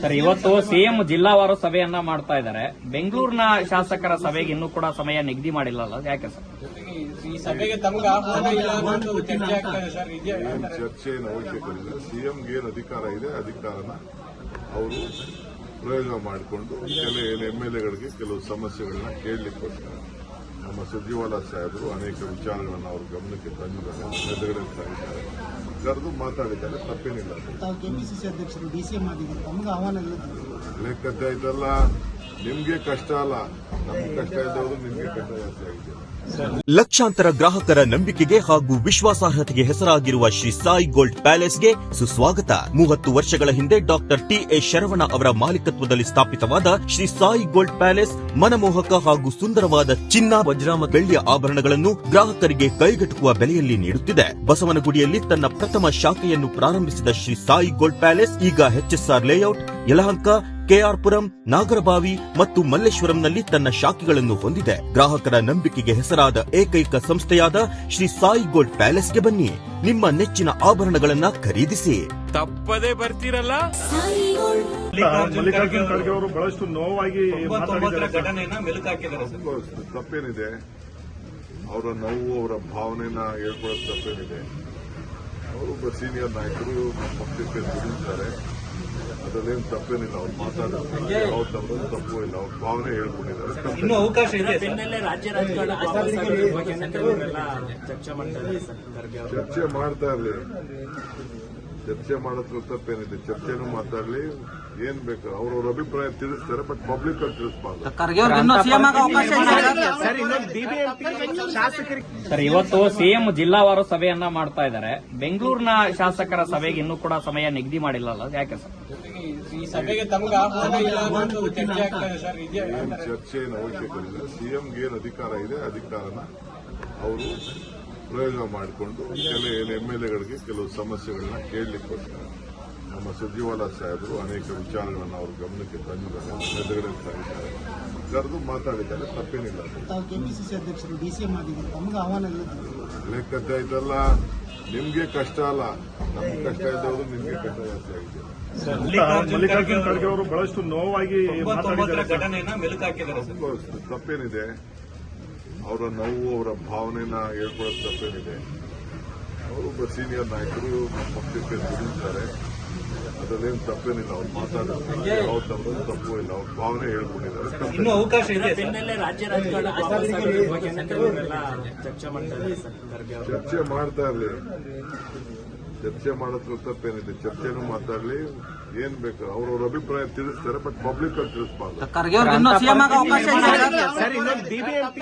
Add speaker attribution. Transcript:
Speaker 1: Sir, ಇವತ್ತು CM ಜಿಲ್ಲಾವಾರು ಸಭೆಯನ್ನ ಮಾಡ್ತಾ ಇದ್ದಾರೆ. ಬೆಂಗಳೂರಿನ ಶಾಸಕರ ಸಭೆಗೆ ಇನ್ನೂ ಕೂಡ ಸಮಯ ನಿಗದಿ ಮಾಡಿಲ್ಲಲ್ಲ, ಯಾಕೆ ಸರ್?
Speaker 2: ಈ ಸಭೆಗೆ ತಮಗೆ ಆಹ್ವಾನ ಇಲ್ಲ ಅನ್ನೋದು ಚರ್ಚೆ ಆಗ್ತಾ ಇದೆ ಸರ್.
Speaker 3: ಚರ್ಚೆ ಏನು ಅವಶ್ಯಕತೆ ಇಲ್ಲ. ಸಿಎಂಗೆ ಏನು ಅಧಿಕಾರ ಇದೆ, ಅಧಿಕಾರನ ಅವರು ಪ್ರಯೋಗ ಮಾಡಿಕೊಂಡು ಕೆಲವು ಎಂಎಲ್ಎಗಳಿಗೆ ಕೆಲವು ಸಮಸ್ಯೆಗಳನ್ನ ಕೇಳಲಿಕ್ಕೋಸ್ಕರ ನಮ್ಮ ಸುರ್ಜೇವಾಲಾ ಸಾಹೇಬರು ಅನೇಕ ವಿಚಾರಗಳನ್ನು ಅವ್ರ ಗಮನಕ್ಕೆ ತಂದಿದ್ದಾರೆ, ಎದುರುಗಡೆ ತಂದಿದ್ದಾರೆ, ಕರೆದು ಮಾತಾಡಿದ್ದಾರೆ. ತಪ್ಪೇನಿಲ್ಲ.
Speaker 4: ತಾವು ಕೆಪಿಸಿಸಿ ಅಧ್ಯಕ್ಷರು ಡಿಸಿಎಂ ಆಗಿದ್ದಾರೆ, ತಮಗೆ ಆಹ್ವಾನ ಇಲ್ಲ.
Speaker 3: ಲೆಕ್ಕದ್ದ ಇದೆಲ್ಲ ನಿಮ್ಗೆ ಕಷ್ಟ ಅಲ್ಲ, ನಮ್ಗೆ ಕಷ್ಟ ಇದ್ದವರು ನಿಮ್ಗೆ ಕಷ್ಟ ಜಾಸ್ತಿ ಆಗಿದೆ.
Speaker 5: ಲಕ್ಷಾಂತರ ಗ್ರಾಹಕರ ನಂಬಿಕೆಗೆ ಹಾಗೂ ವಿಶ್ವಾಸಾರ್ಹತೆಗೆ ಹೆಸರಾಗಿರುವ ಶ್ರೀ ಸಾಯಿ ಗೋಲ್ಡ್ ಪ್ಯಾಲೇಸ್ಗೆ ಸುಸ್ವಾಗತ. 30 ವರ್ಷಗಳ ಹಿಂದೆ ಡಾಕ್ಟರ್ ಟಿ.ಎ. ಶರವಣ ಅವರ ಮಾಲೀಕತ್ವದಲ್ಲಿ ಸ್ಥಾಪಿತವಾದ ಶ್ರೀ ಸಾಯಿ ಗೋಲ್ಡ್ ಪ್ಯಾಲೇಸ್ ಮನಮೋಹಕ ಹಾಗೂ ಸುಂದರವಾದ ಚಿನ್ನ, ವಜ್ರ ಮತ್ತು ಬೆಳ್ಳಿಯ ಆಭರಣಗಳನ್ನು ಗ್ರಾಹಕರಿಗೆ ಕೈಗೆಟುಕುವ ಬೆಲೆಯಲ್ಲಿ ನೀಡುತ್ತಿದೆ. ಬಸವನಗುಡಿಯಲ್ಲಿ ತನ್ನ ಪ್ರಥಮ ಶಾಖೆಯನ್ನು ಪ್ರಾರಂಭಿಸಿದ ಶ್ರೀ ಸಾಯಿ ಗೋಲ್ಡ್ ಪ್ಯಾಲೇಸ್ ಈಗ ಎಚ್ಎಸ್ಆರ್ ಲೇಔಟ್, ಯಲಹಂಕ, ಕೆಆರ್ಪುರಂ, ನಾಗರಬಾವಿ ಮತ್ತು ಮಲ್ಲೇಶ್ವರಂನಲ್ಲಿ ತನ್ನ ಶಾಖೆಗಳನ್ನು ಹೊಂದಿದೆ. ಗ್ರಾಹಕರ ನಂಬಿಕೆಗೆ ಹೆಸರಾದ ಏಕೈಕ ಸಂಸ್ಥೆಯಾದ ಶ್ರೀ ಸಾಯಿ ಗೋಲ್ಡ್ ಪ್ಯಾಲೇಸ್ಗೆ ಬನ್ನಿ, ನಿಮ್ಮ ನೆಚ್ಚಿನ ಆಭರಣಗಳನ್ನ ಖರೀದಿಸಿ.
Speaker 6: ತಪ್ಪದೇ ಬರ್ತೀರಲ್ಲ.
Speaker 7: ಮಲ್ಲಿಕಾರ್ಜುನ್ ಖರ್ಗೆ ಅವರು ಬಹಳಷ್ಟು ನೋವಾಗಿ
Speaker 2: ಘಟನೆಯನ್ನ ಮೆಲುಕಾಕಿದ್ದಾರೆ ಸರ್.
Speaker 3: ತಪ್ಪೇನಿದೆ, ಅವರ ನೋವು, ಅವರ ಭಾವನೆನ ಹೇಳ್ಕೊಳ್ಳೋದು ತಪ್ಪೇನಿದೆ. ಅವರೊಬ್ಬ ಸೀನಿಯರ್ ನಾಯಕರು ನಮ್ಮ ಪಕ್ಷಕ್ಕೆ ದುಡಿತಾರೆ, ಅದರಲ್ಲೇನು ತಪ್ಪೇನಿಲ್ಲ. ಅವ್ರು ಮಾತಾಡೋದು ಯಾವ ತಪ್ಪು ಇಲ್ಲ, ಅವ್ರ ಭಾವನೆ ಹೇಳ್ಕೊಂಡಿದ್ದಾರೆ.
Speaker 2: ಇನ್ನೂ ಅವಕಾಶ ಇದೆ.
Speaker 1: ರಾಜ್ಯ ರಾಜಕಾರಣ
Speaker 3: ಚರ್ಚೆ ಮಾಡ್ತಾ ಇರಲಿ, ಚರ್ಚೆ ಮಾಡೋದ್ರ ತಪ್ಪೇನಿದೆ. ಚರ್ಚೆನೂ ಮಾತಾಡಲಿ, ಏನ್ ಬೇಕು ಅವ್ರವ್ರ ಅಭಿಪ್ರಾಯ ತಿಳಿಸ್ತಾರೆ, ಬಟ್ ಪಬ್ಲಿಕ್ ಅಲ್ಲಿ ತಿಳಿಸಬಾರ್ದು.
Speaker 1: ಸರ್, ಇವತ್ತು ಸಿಎಂ ಜಿಲ್ಲಾವಾರು ಸಭೆಯನ್ನ ಮಾಡ್ತಾ ಇದ್ದಾರೆ. ಬೆಂಗಳೂರಿನ ಶಾಸಕರ ಸಭೆಗೆ ಇನ್ನೂ ಕೂಡ ಸಮಯ ನಿಗದಿ ಮಾಡಿಲ್ಲಲ್ಲ, ಯಾಕೆ ಸರ್?
Speaker 2: ಈ ಸಭೆಗೆ ತಮಗೆ ಆಹ್ವಾನ ಇಲ್ಲ ಅನ್ನೋದು ಚರ್ಚೆ ಆಗ್ತಾ ಇದೆ ಸರ್.
Speaker 3: ಚರ್ಚೆ ಏನು ಅವಶ್ಯಕತೆ ಇಲ್ಲ. ಸಿಎಂಗೆ ಏನು ಅಧಿಕಾರ ಇದೆ, ಅಧಿಕಾರನ ಅವರು ಪ್ರಯೋಗ ಮಾಡಿಕೊಂಡು ಕೆಲವು ಎಂಎಲ್ಎಗಳಿಗೆ ಕೆಲವು ಸಮಸ್ಯೆಗಳನ್ನ ಕೇಳಲಿಕ್ಕೋಸ್ಕರ ನಮ್ಮ ಸುರ್ಜೇವಾಲಾ ಸಾಹೇಬರು ಅನೇಕ ವಿಚಾರಗಳನ್ನು ಅವ್ರ ಗಮನಕ್ಕೆ ತಂದಿದ್ದಾರೆ, ಎದುರುಗಡೆ ತಂದಿದ್ದಾರೆ, ಕರೆದು ಮಾತಾಡಿದ್ದಾರೆ. ತಪ್ಪೇನಿಲ್ಲ.
Speaker 4: ತಾವು ಕೆಪಿಸಿಸಿ ಅಧ್ಯಕ್ಷರು ಡಿಸಿಎಂ ಆಗಿದ್ದಾರೆ, ತಮಗೆ ಆಹ್ವಾನ ಇಲ್ಲ.
Speaker 3: ಲೆಕ್ಕದ್ದ ಇದೆಲ್ಲ ನಿಮ್ಗೆ ಕಷ್ಟ ಅಲ್ಲ, ನಮ್ಗೆ ಕಷ್ಟ ಇದ್ದವರು ನಿಮ್ಗೆ ಕಷ್ಟ ಜಾಸ್ತಿ ಆಗಿದೆ.
Speaker 7: ಮಲ್ಲಿಕಾರ್ಜುನ್ ಖರ್ಗೆ ಅವರು ಬಹಳಷ್ಟು ನೋವಾಗಿ
Speaker 2: ಘಟನೆಯನ್ನ ಮೆಲುಕಾಕಿದ್ದಾರೆ ಸರ್.
Speaker 3: ತಪ್ಪೇನಿದೆ, ಅವರ ನೋವು, ಅವರ ಭಾವನೆನ ಹೇಳ್ಕೊಳ್ಳೋದು ತಪ್ಪೇನಿದೆ. ಅವರೊಬ್ಬ ಸೀನಿಯರ್ ನಾಯಕರು ನಮ್ಮ ಪಕ್ಷಕ್ಕೆ ದುಡಿತಾರೆ, ಅದರಲ್ಲೇನು ತಪ್ಪೇನಿಲ್ಲ. ಅವ್ರು ಮಾತಾಡೋದು ಯಾವ ತಪ್ಪು ಇಲ್ಲ, ಅವ್ರ ಭಾವನೆ ಹೇಳ್ಕೊಂಡಿದ್ದಾರೆ.
Speaker 2: ಇನ್ನೂ ಅವಕಾಶ ಇದೆ.
Speaker 1: ರಾಜ್ಯ ರಾಜಕಾರಣ
Speaker 3: ಚರ್ಚೆ ಮಾಡ್ತಾ ಇರಲಿ, ಚರ್ಚೆ ಮಾಡೋದ್ರ ತಪ್ಪೇನಿದೆ. ಚರ್ಚೆನೂ ಮಾತಾಡಲಿ, ಏನ್ ಬೇಕು ಅವ್ರವ್ರ ಅಭಿಪ್ರಾಯ ತಿಳಿಸ್ತಾರೆ, ಬಟ್ ಪಬ್ಲಿಕ್ ಅಲ್ಲಿ ತಿಳಿಸಬಾರ್ದು.